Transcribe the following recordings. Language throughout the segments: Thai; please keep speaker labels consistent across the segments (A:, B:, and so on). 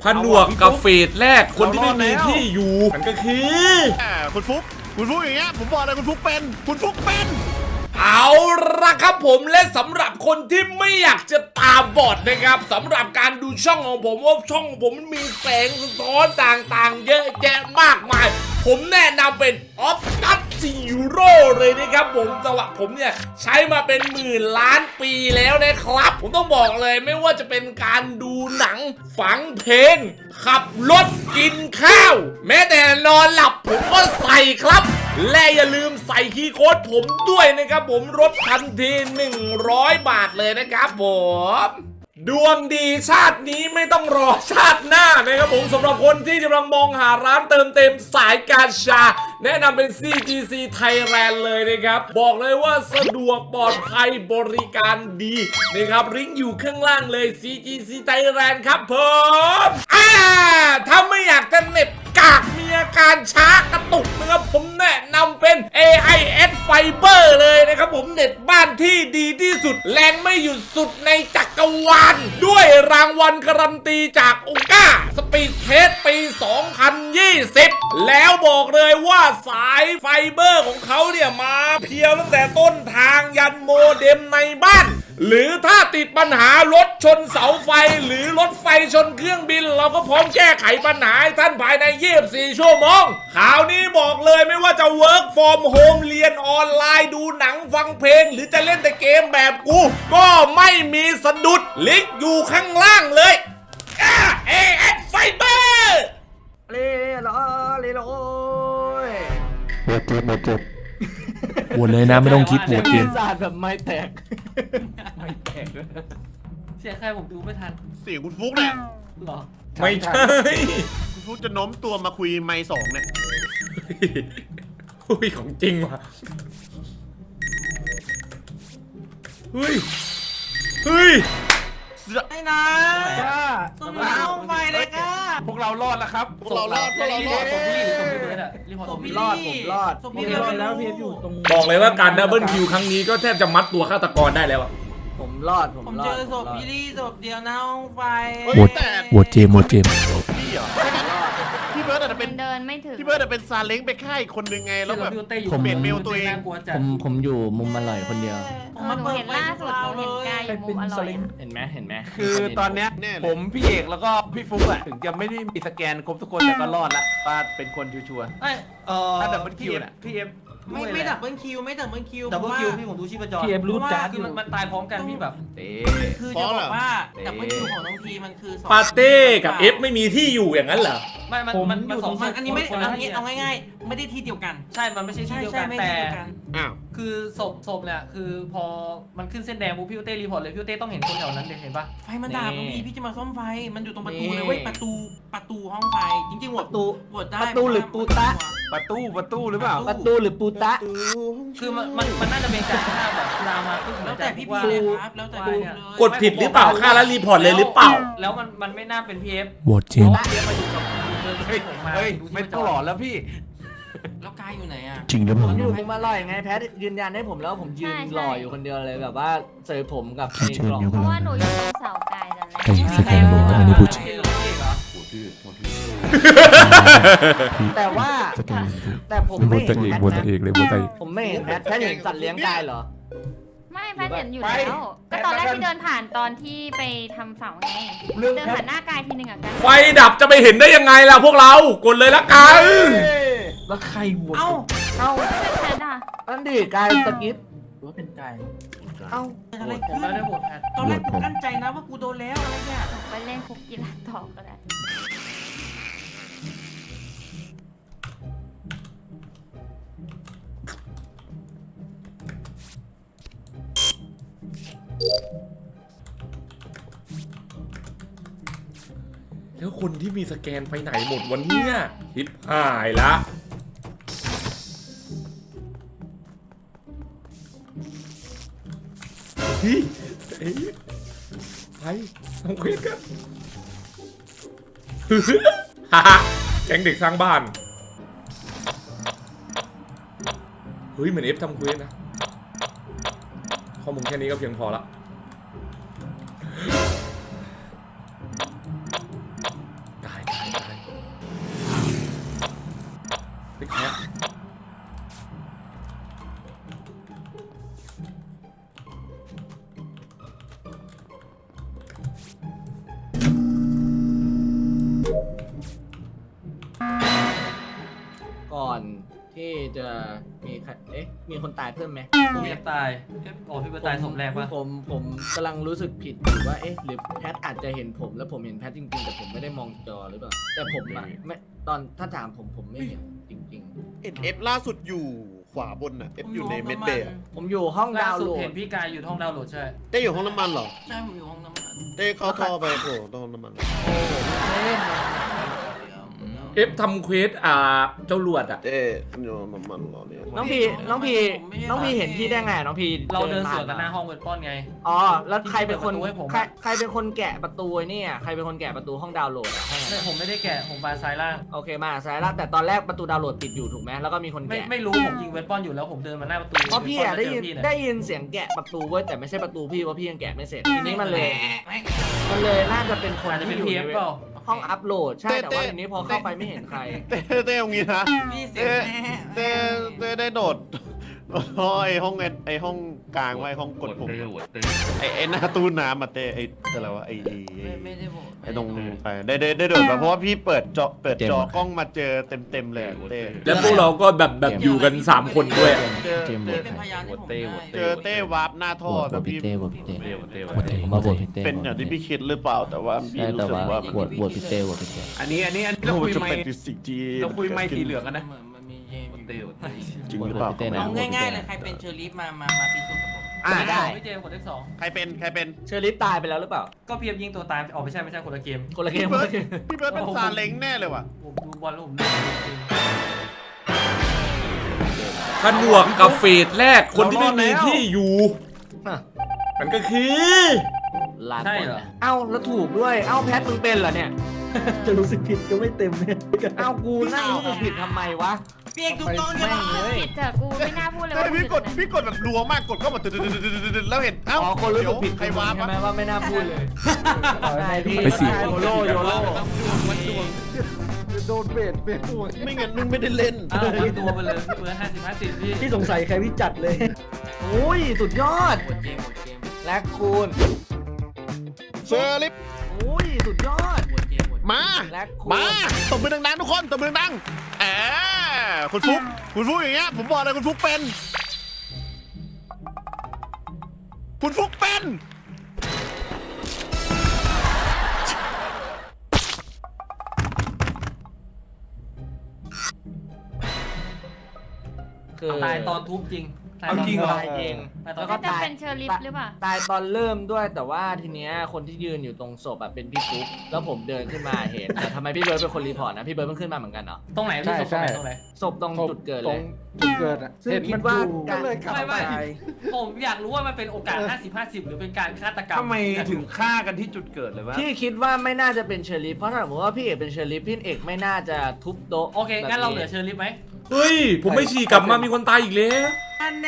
A: ผนวกกับเฟสแรกคนที่ไม่มีที่อยู่มันก็คือ
B: คุณฟุกอย่างเงี้ยผมบอกเลยคุณฟุกเป็น
A: เอาละครับผมและสำหรับคนที่ไม่อยากจะตาบอดนะครับสำหรับการดูช่องของผมว่าช่องผมมันมีแสงสะท้อนต่างๆเยอะแยะมากมายผมแนะนำเป็น Optus Zero เลยนะครับผมสำหรับผมเนี่ยใช้มาเป็นหมื่นล้านปีแล้วนะครับผมต้องบอกเลยไม่ว่าจะเป็นการดูหนังฟังเพลงขับรถกินข้าวแม้แต่นอนหลับผมก็ใส่ครับและอย่าลืมใส่คีย์โค้ดผมด้วยนะครับผมลดทันที100 บาทเลยนะครับผมดวงดีชาตินี้ไม่ต้องรอชาติหน้านะครับผมสำหรับคนที่กำลังมองหาร้านเติมเต็มสายการชาแนะนำเป็น CGC Thailand เลยนะครับบอกเลยว่าสะดวกปลอดภัยบริการดีนะครับลิงก์อยู่ข้างล่างเลย CGC Thailand ครับผมถ้าไม่อยากจะเน็ตกากมีอาการช้ากระตุกนะครับผมแนะนำเป็น AIS Fiber เลยนะครับผมเน็ตบ้านที่ดีที่สุดแรงไม่หยุดสุดในจักรวาลด้วยรางวัลการันตีจากองก้าสปีดเทสปี 2020 แล้วบอกเลยว่าสายไฟเบอร์ของเขาเนี่ยมาเพียวตั้งแต่ต้นทางยันโมเด็มในบ้านหรือถ้าติดปัญหารถชนเสาไฟหรือรถไฟชนเครื่องบินเราก็พร้อมแก้ไขปัญหาให้ท่านภายใน24 ชั่วโมงข่าวนี้บอกเลยไม่ว่าจะ work from home เรียนออนไลน์ดูหนังฟังเพลงหรือจะเล่นแต่เกมแบบกูก็ไม่มีสะดุดลิงก์อยู่ข้างล่างเลยAS Fiber
C: เลโอ้ย
D: หมดเจ็บโหวตเลยนะไม่ต้องคิดโหวตเกม
C: ศาสตร์แบบไม่แตก
E: ไม่แตกเลยเสียงใครผมดูไม่ทัน
B: เสียงคุณฟุกเนี่ย
E: หรอ
A: ไม่ใช่
B: คุณฟุกจะโน้มตัวมาคุยไมค์สองเนี่ย
A: อุ้ยของจริงว่ะเฮ้ย
E: ไอ้นะต้องเอาไปเลยค่ะ
C: พวกเรารอดแล้วครับ
B: พวกเรารอด
E: ผมรีบส่งพี่เบิร์ดอะรีพอร์ต
C: ผ
E: ส่ง
C: ม
E: พี่
C: รอดพี่รอดแล้วพี่อยู่ตรง
A: บอกเลยว่าการดับเบิลคิวครั้งนี้ก็แทบจะมัดตัวฆาตกรได้แล้วอะ
C: ผมรอด
E: ผมเจอศพพี่ลี่ศพเดียวนะห้องไฟ
D: โหวตเจมส์
B: พี่เหรอพี่เบิร์ดอาจจะเป็น
F: เดินไม่ถึง
B: พี่เบิร์ดอาจจะเป็นซาเล้งไปค่ายคนหนึ่งไงแล้วแบบ
E: ผม
B: เปลี่ยนเมลตัวเอง
C: ผมอยู่มุมอร่อยคนเดียว
F: หนูเห็นล่าสุดหนูเห็นกายอยู่มุมอร่อยอะ
C: เห็นไหม
G: คือตอนเนี้ย
B: แน่เลย
G: ผมพี่เอกแล้วก็พี่ฟุ๊กอะถึงจะไม่ได้มีสแกนครบทุกคนแต่ก็รอดละว่าเป็นคนชัวร์ ถ้าดับเบิลคิวน่ะ
E: พี่เอฟไม่ดับเบิลคิวดับเบิลคิวพี่ผมดูชีพจร
C: พี่เอฟรู้จัก
E: คือมันตายพร้อมกันพี่แบบ
G: เต้
E: คือจะบอกว่าดับเบิลคิวของน้องทีมันคือ2
A: ปาเต้กับเอฟไม่มีที่อยู่อย่างนั้นเหรอ
E: ไม่มันสองอันนี้ไม่เอาง่ายๆไม่ได้ที่เดียวกันใช่มันไม่ใช่ที่เดียวกันแต่
B: อ้าว
E: คือศพเนี่ยคือพอมันขึ้นเส้นแดงปุ๊บพี่เต้รีพอร์ตเลยพี่เต้ต้องเห็นคนแถวนั้นเห็นปะไฟมันดับพี่จะมาซ่อมไฟมันอยู่ตรงประตูเลยเว้ยประตูห้องไฟจริงๆโหวตได้
C: ประตูหรือปูตะ
G: ประตูหรือเปล่า
C: ประตูหรือปูตะ
E: คือมันน่าจะเป็นการฆ่าแบบเวลามาแล้วแต่พี่เลยครับแล้วแต่เลย
A: กดผิดหรือเปล่าค่าแล้วรีพอร์ตเลยหรือเปล่า
E: แล้วมันไม่น่าเป็นพีเอฟ
D: โหวตเจมส์
E: พีเอฟมาอยู่กับเฮ้ยผมมา
G: เฮ้ยไม่ต้องหลอนแล้วพี่
E: แล้วกายอยู่ไหนอ่ะ
D: จริงหรือเป
C: ผ
D: ล่าม
C: อยู่มุมอร่อยไงแพทยืนยันให้ผมแล้วผมยืนรออยู่คนเดียวเลยแบบว่าเจอผมกับในกล่อง
F: เพราะว่าหนูอยู่ตรงเสากายนั่นแหละ
D: ไอ้สแกนบอกว่าอันนี้พูดจริง
C: แต่ว่า
D: สแกน
C: แต่ผม
D: โหว
C: ไม่
D: ต
C: เห็น
D: เอง
C: แพท
D: โหวต
C: นะ
D: เองเลยโหวตเอง
C: ผมไม่เห็นแพทเห็นสัตว์เลี้ยงกายเหรอ
F: ไม่แพทย์เห็นอยู่แล้ว ก็ตอนแรกที่เดินผ่านตอนที่ไปทำเสาไงเดินผ่านหน้ากายทีหนึ่งอะกัน
A: ไฟดับจะไปเห็นได้ยังไงล่ะพวกเรากดเลยละกัน
G: แล้วใครโหวต
E: เอ้า
F: ไม่เป็นแพทย์อะ
C: นั่นดิกายสกิป
G: หรือว่าเป็นไก่
C: เอ้า
E: อะไรขึ้นแล้วได้หมดแพทตอนแรกกูกั้นใจนะว่ากูโดนแล้วอะไรเนี่ย
F: ไปเล่นคุกกีฬาต่อก็ได้
A: แล้วคนที่มีสแกนไปไหนหมดวันนี้ฮิปหายละพี่ไปทำเควสกันฮ่าแก๊งเด็กสร้างบ้านเฮ้ยเหมือนเอฟทำเควสนะข้อมูลแค่นี้ก็เพียงพอละ
C: ก่อนที่จะมีใครมีคนตายเพิ่มไหม
E: ผมยังตายโอ้พี่ไปตายศพแรกปะ
C: ผมกำลังรู้สึกผิดอยู่ว่าหรือแพทอาจจะเห็นผมแล้วผมเห็นแพทจริงๆแต่ผมไม่ได้มองจอหรือเปล่าแต่ผมอะไม่ตอนถ้าถามผมไม่เห็นจริง
B: เห็นเอฟล่าสุดอยู่ขวาบนอ่ะเอฟอยู่ในเมดเบย์
C: ๆ ผมอยู่ห้อง
E: ล่า
C: ดาวน์
E: สุด
C: โหล
E: เห็
C: ด
E: นพี่กายอยู่ห้องดาวน์โหลดใช่
B: เต้อยู่ห้องน้ำมันเหรอ
E: ใช่ผมอยู่ห้องน้ำมัน
B: เต้เข้าท่อไปโผล่ตรงห้องน้ำมัน
A: เอฟทำเควสเจ้าหลวดอ่ะ
B: เต้อยู่ห้องน้ำมันเหรอเนี่ย
C: น้องพีเห็นพี่ได้ไงน้องพี
E: เราเดินสวน
C: ผ่
E: กันหน้าห้องเวทป้อนไง
C: อ๋อแล้วใครเป็นคน
E: ที่เปิดประตูให้ผมอะ
C: ใครเป็นคนแกะประตูไอ้เนี่ยใครเป็นคนแกะประตูห้องดาวน์โหลดอะห้องนั้น
E: ไม่ผมไม่ได้แกะผมมาซ้ายล่าง
C: โอเคมาสายละแต่ตอนแรกประตูดาวน์โหลดปิดอยู่ถูกไหมแล้วก็มีคนแกะ
E: ไม่รู้ผมยิงเวทป้อนอยู่แล้วผมเดินมาหน้าประตู
C: เพราะพี่อะ
E: เวทป้อน
C: ได้
E: แล้วเจอพี่
C: ยินเสียงแกะประตูเว้ยแต่ไม่ใช่ประตูพี่เพราะพี่ยังแกะไม่เสร็จทีนี้มันเลยน่าจะเป็นคน
E: อาจจะเป็น
C: ที่อยู่
E: พีเอฟ
C: ใน
E: เปล่า
C: ห้องอัพโหลดใช่แต่ว่าทีนี้พอเข้าไปไม่เห็นใคร
B: เต้ตรงนี้นะเต้ได้โดดไอห้องไอห้องกลางไว้ห้องกดปุ่มไอหน้าตู้น้ำมาเต้ไออะไรวะไอ
E: ไม่ได้บอก
B: ไอตรงไปได้โดดมาเพราะว่าพี่เปิดจอกล้องมาเจอเต็มเลยเต้
A: แล้วพวกเราก็แบบอยู่กัน 3 คนด้วย
B: เจอ
E: เป็นพยานที่ผมได้
B: เจอเต้วาร์ปหน้าท่อแต่พี่
D: ผมมาโหวตพี่เต้
B: เป็นอย่างที่พี่คิดหรือเปล่าแต่ว่าพี่รู้สึกว่า
D: โหวตพี่เต้โหวตพี่เต้
G: อันนี้เราคุย
B: จะ
G: ไม่
B: เป็นสิ่งที่
G: เราคุยไม่สีเหลืองกันนะ
E: มันมีเจม
G: เตียว
B: จริงหรือเปล่า
E: เอาง่ายๆเลยใครเป็นเชอร์ลีฟมาพิสูจน์กับผม
C: ได้
E: พี่เจมกดเลขสอง
B: ใครเป็น
C: เชอริฟตายไปแล้วหรือเปล่า
E: ก็เพียบยิงตัวตายอ๋อไม่ใช่คนละเกม
C: คนละเกม
B: พี่เบิร์ดเป็นซาเล้งแน่เลยว่ะ
E: ผมดูบอลแล้วผมดูจริง
A: ผนวกกับเฟสแรกคนที่ไม่มีที่อยู่ มันก็คือ
C: ลาก่อนนะเอ้าแล้วถูกด้วยเอ้าแพทมึงเป็นเหรอเนี่ย
H: จะรู้สึกผิดก็ไม่เต็มเนี่ย
C: เอ้ากูนั่งรู้สึกผิดทำไมวะ
E: พี่เอกถูกต้องใช่ไหม
F: ผิดเถอะกูไม่น่าพูดเลยว่า
B: พี่กดแบบรัวมากกดเข้ามาแล้วเห็นเอ้า
C: อ๋อคนรู้สึกผิด
B: ใครวาร์ป
C: ใช่ไหมว่าไม่น่าพูดเลยใช่พี่
D: ไปสิ
C: โยโล
H: โดนเบรดหัว
B: ไม่งั้นมึงไม่ได้เล่น
E: อ้าวทำตัวไปเลยพี่เบิร์ด50-50พี่
H: พี่สงสัยใครพี่จัดเลย
C: โอ้ยสุดยอด
E: หมดเกม
C: แลกคูณ
B: เซอร์ลิฟ
C: โอ้ยสุดยอด
B: มา
C: แลกคูณ
B: มาตบมือดังๆทุกคนตบมือดังคุณฟุกอย่างเงี้ยผมบอกเลยคุณฟุกเป็น
C: คือ
E: ตายตอนทุบจริง
G: เอาจริงเหรอ
C: ตายเอง
E: ตายตอ
C: แล้
E: น
C: วก็
F: จะ
C: ตาย
F: เป็นเชอร์ลิฟหรือเปล่า
C: ตายตอนเริ่มด้วยแต่ว่าทีเนี้ยคนที่ยืนอยู่ตรงศพอะเป็นพี่ฟุ๊กแล้วผมเดินขึ้นมาเห็นแต่ทำไมพี่เบิร์ดเป็นคนรีพอร์ตนะพี่เบิร์ดเพิ่งขึ้นมาเหมือนกันเหรอ
E: ตรงไหนพี่ศพตรงไหนตรงไหน
C: ศพตรงจุดเกิดเลย
H: จุดเกิดอ่ะ
C: ซึ่ง
H: เห็น
C: คิ
H: มั
C: ด
H: น
C: ว่า
H: อยู่ก็เลยขับ
E: ไม่
H: ไป
E: ผมอยากรู้ว่ามันเป็นโอกาส 50-50 หรือเป็นการฆาตกรรม
G: ทำไมถึงฆ่ากันที่จุดเกิดเลยวะ
C: พี่คิดว่าไม่น่าจะเป็นเชอริฟเพราะถ้าสมมติว่าพี่เอกเป็นเชอริฟพี่เอกไม่น่าจะทุบโต๊ะ
E: โอเคงั้นเราเหลือเชอร์ลิฟไหม
A: เฮ้ย ผมไม่ฉี่กลับมามีคนตายอีกแล้ว
E: อันแน่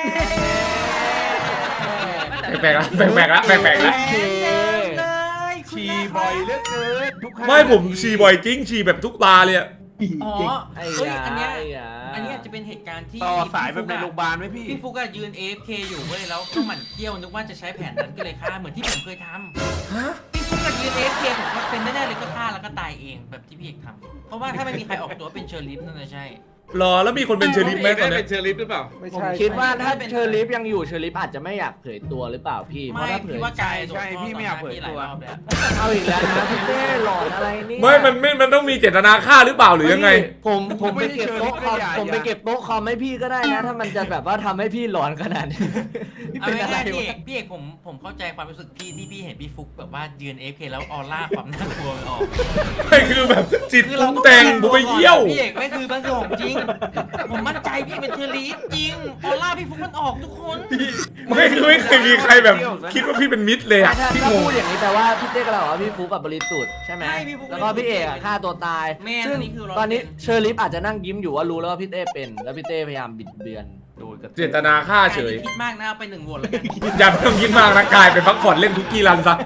A: แปลกๆละแปลกๆละแปลกๆละ
G: ฉี่บ่อยเหลือเกินทุกครั้ง
A: ไม่ผมฉี่บ่อยจริงฉี่แบบทุกตาเลยอะ
E: อ๋อ
C: ไอ้
E: เฮ้ย
C: ยา
E: อันเนี้ย
C: ไอ้ยา
E: อันนี้อาจจะเป็นเหตุการณ์ที่
G: ต่อสายแบบในโรงพยาบาลไหมพี่
E: พี่ฟุกอะยืน AFK อยู่เว้ยแล้วก็หมั่นเที่ยวนึกว่าจะใช้แผนนั้นก็เลยฆ่าเหมือนที่ผมเคยทำพี่ฟุกอะยืน AFK ผมว่าเป็นแน่ๆเลยก็ฆ่าแล้วก็ตายเองแบบที่พี่เอกทำเพราะว่าถ้าไม่มีใครออกตัวเป็นเชอร์ลิฟนั่นจะใช่
A: รอแล้วมีคนเป็นเชอริฟไหมตอนเนี้ย
G: เป็นเชอร์ลิฟหรือเปล่า
H: ไม่
C: ผม
H: ใช่
C: คิดว่าถ้าเชอริฟยังอยู่เชอริฟอาจจะไม่อยากเผยตัวหรือเปล่าพี่เพ
E: ไม่
C: ราะถ้าเผย
E: พี่ว่ากาย
G: ใช่พี่ไม่อยากเผยตัว
E: หลายรอบแล้ว
C: เอาอีกแล้วนะพี่เต้หลอนอะไรเนี่ย
A: ไม่มันต้องมีเจตนาฆ่าหรือเปล่าหรือยังไง
C: ผมไปเก็บโต๊ะคอม
G: อย่า
C: ผมไปเก็บโต๊ะคอมให้พี่ก็ได้นะ ถ้ามันจะแบบว่าทำให้พี่หลอนขนาดนี้พี่
E: เอา
C: เป็นอะไร
E: ง่ายๆพี่เอ
C: วะ
E: กพี่เอกผมเข้าใจความรู้สึกพี่ที่พี่เห็นพี่ฟุกแบบว่ายืน AFK แล้วออร่าความน่ากลัวมันออก
A: ไม่คือแบบจิตปรุงแต่งผมไปเยี่ยว
E: พี่เอกไม่คือมันคือของจริง ผมมั่นใจพี่เป็นเชอร์ลีฟจริงออร่าพี่ฟุกมันออกทุกคน
A: ไม่คือไม่เคยมีใครแบบคิดว่าพี่เป็นมิตรเลยอะ
C: ถ้า
A: พี่
C: ถ้าง
A: ง
C: พูดอย่างนี้แปลว่าพี่เต้ก็เราว่าพี่ฟุกกับบริสุทธิ์ใช่ไหม
E: ใช่พี่ฟุ๊ก
C: แล้วก็พี่เอกอะฆ่าตัวตาย
E: แม่น
C: ซึ่ง
E: อันนี้คือ100%
C: ตอนนี้เชอร์ลิฟอาจจะนั่งยิ้มอยู่ว่ารู้แล้วว่าพี่เต้เป็น แล้วพี่เต้พยายามบิดเบือน
G: โดยกระ
A: เจตนาฆ่าเฉย
E: คิดมากนะเอาไป1โหวตแล้วกัน
A: อย่าไปต้องคิดมากนะกายไปพักผ่อนเล่นคุกกี้รันซะ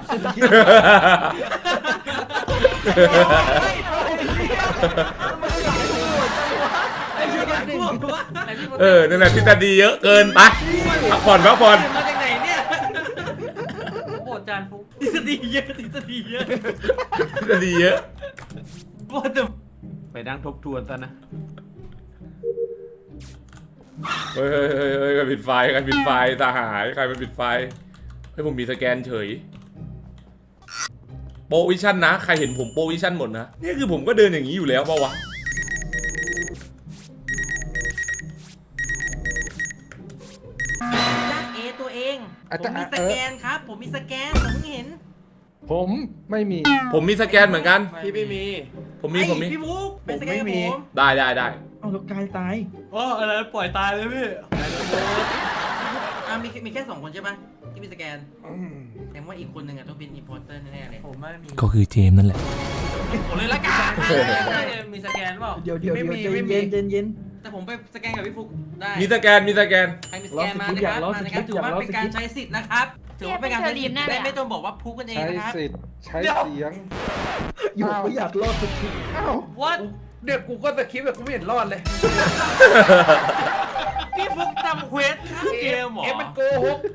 A: นั่นแหละทฤษฎีเยอะเกินไปพักผ่อน
E: มาจากไหนเนี่ยโหวตจานฟุกทฤษฎีเยอะ
A: ทฤษฎีเยอะ
E: โหวตแต่
G: ไปนั่งทบทวนซะนะ
A: เฮ้ยใครปิดไฟใครปิดไฟสหายใครมันปิดไฟให้ผมมีสแกนเฉยโปรวิชั่นนะใครเห็นผมโปรวิชั่นหมดนะนี่คือผมก็เดินอย่างนี้อยู่แล้วเปล่าวะ
E: จ้าเอตัวเองผมมีสแกนครับผมมีสแกนผมเพิ่งเห็น
H: ผมไม่มี
A: ผมมีสแกนเหมือนกัน
G: พี่ไม่มี
A: ผมมี
E: พี่บุ๊กเป็นสแกน
G: ผมไม่มี
E: ผม
A: ได้
H: เอาแล้วกายตาย
G: อ๋ออะไรปล่อยตายเลยพี่
E: มีแค่2 คนใช่ปะที่มีสแกนแต่ว่าอีกคนหนึ่งต้องเป็นอินพอร์เตอร์แน่ๆเลยผมไม่มี
D: ก็คือเจมส์นั่นแหละ
E: ผมเลยละกัน มีสแกนเปล่า
H: เดี๋ยวใจ
G: ไม่มี
H: เย็น
E: แต่ผมไปสแกนกับพี่ฟุกได้
A: มีสแกน
E: ใครมีสแกนมานะครับมานะครับถือว่าเป็นการใช้สิทธิ์นะครับถือว่าเป็นการใช้สิทธิ์ไม่ต้องบอกว่าพูดกันเองนะครับ
H: ใช้เสียงอยู่ไม่อยากรอดสักที
E: What
G: เดี๋ยวกูก็สคริปต์แบบกูไม่เห็นรอดเลย
E: พี่ฟุกทำเควสข้ามเกมเหรอ
G: มันโกหก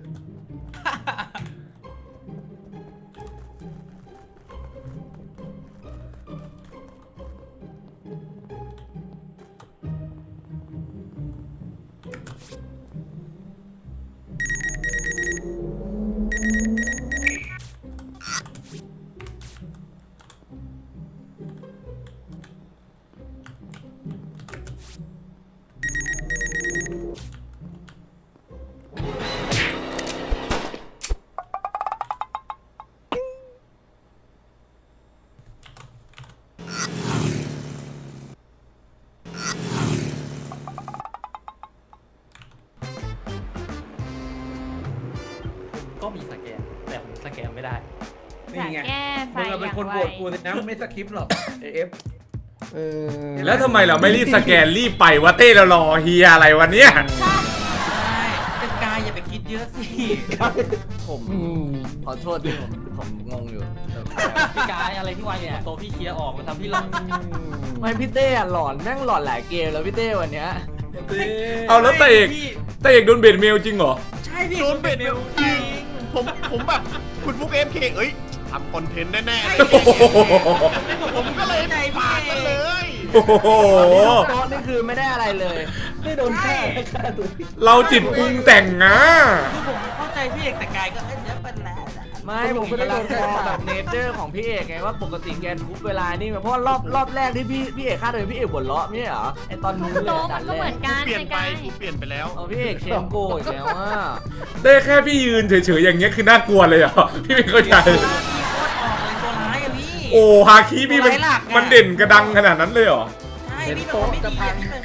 E: ก็มีสแกนแต่ผมสแกนไม่ได้
F: อยากแก้ไฟ
G: มึง
F: อ
G: เป็น
F: ย่าง
G: คน
F: ไว
G: โหวตกูสินะมึงไม่สคริปต์หรอกเอฟ
A: แล้วทำไมเราไม่รีบสแกนรีบไปวะเต้เรารอเฮียอะไรวันเนี้ย
E: ใช่เป็นกายอย่าไปคิดเยอะสิ
C: ผมขอโทษที่ผมงงอยู่
E: พี่กายอะไรที่วายเนี่ยโตพี่เคลียร์ออกมันทำพี่ลง
C: ไม่พี่เต้อะหลอนแม่งหลอนหลายเกมแล้วพี่เต้วันเนี้ย
A: เอาแล้วเต้เอกโดนเบดเมลจริงเหรอ
E: ใช่พี่
B: โดนเบ็ดเมลจริงผมแบบคุณฟุกFKเอ้ยทำคอนเทนต์แน่ๆเลย ผมก็เลย
E: ใจ
B: ปาดกันเลย
A: โอ้โห
C: โต๊ะนี่คือไม่ได้อะไรเลย
H: ไม่โดนฆ่าตัวผิด
A: เราจิตปรุงแต่งนะ
E: คือผมเข้าใจพี่เอกแต่กายก็เอ้ยเดี๋ยวเป็นแล้ว
C: ไม่ผมกำลังมองแบบเนเจอร์ของพี่เอกไงว่าปกติแกทุบเวลานี่เพราะว่ารอบแรกที่พี่เอกฆ่าโดยพี่เอกบ่นเลาะไม่ใช่เหรอไอตอนนู้นเลย
F: โต๊ะ
C: ดั
F: มัน
C: น
F: ก็
C: แร
F: เหมือก นกัน
B: เปลี่ยนไป
F: กาย
B: กูเปลี่ยนไปแล้ว
C: เอาพี่เอกเชนโกอีกแล้วว่า
A: เต้แค่พี่ยืนเฉยๆอย่างเงี้ยคือน่ากลัวเลยเหรอ พี่ไม่เข้าใจ
E: พี่โคตรออกเลยตัวร้ายอะพี่
A: โอ้ฮาคิพี่มันเด่นกระดังขนาดนั้นเลยเหรอ
E: ใช่พี่เป็นคนไม่ดีอะพี่เป็น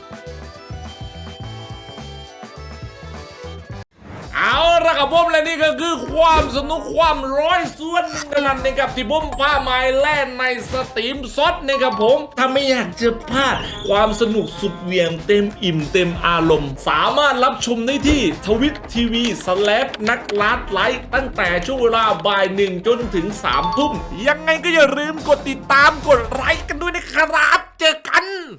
A: เอาละครับผมและนี่ก็คือความสนุกความร้อยส่วนหนึ่งเท่านั้นนะครับที่ผมพามาแล่นในสตรีมซดนะครับผมถ้าไม่อยากจะพลาดความสนุกสุดเหวี่ยงเต็มอิ่มเต็มอารมณ์ สามารถรับชมได้ที่ทวิตทีวีนักลัดไลฟ์ตั้งแต่ช่วงเวลาบ่าย1จนถึง3 ทุ่มยังไงก็อย่าลืมกดติดตามกดไลค์กันด้วยนะครับเจอกัน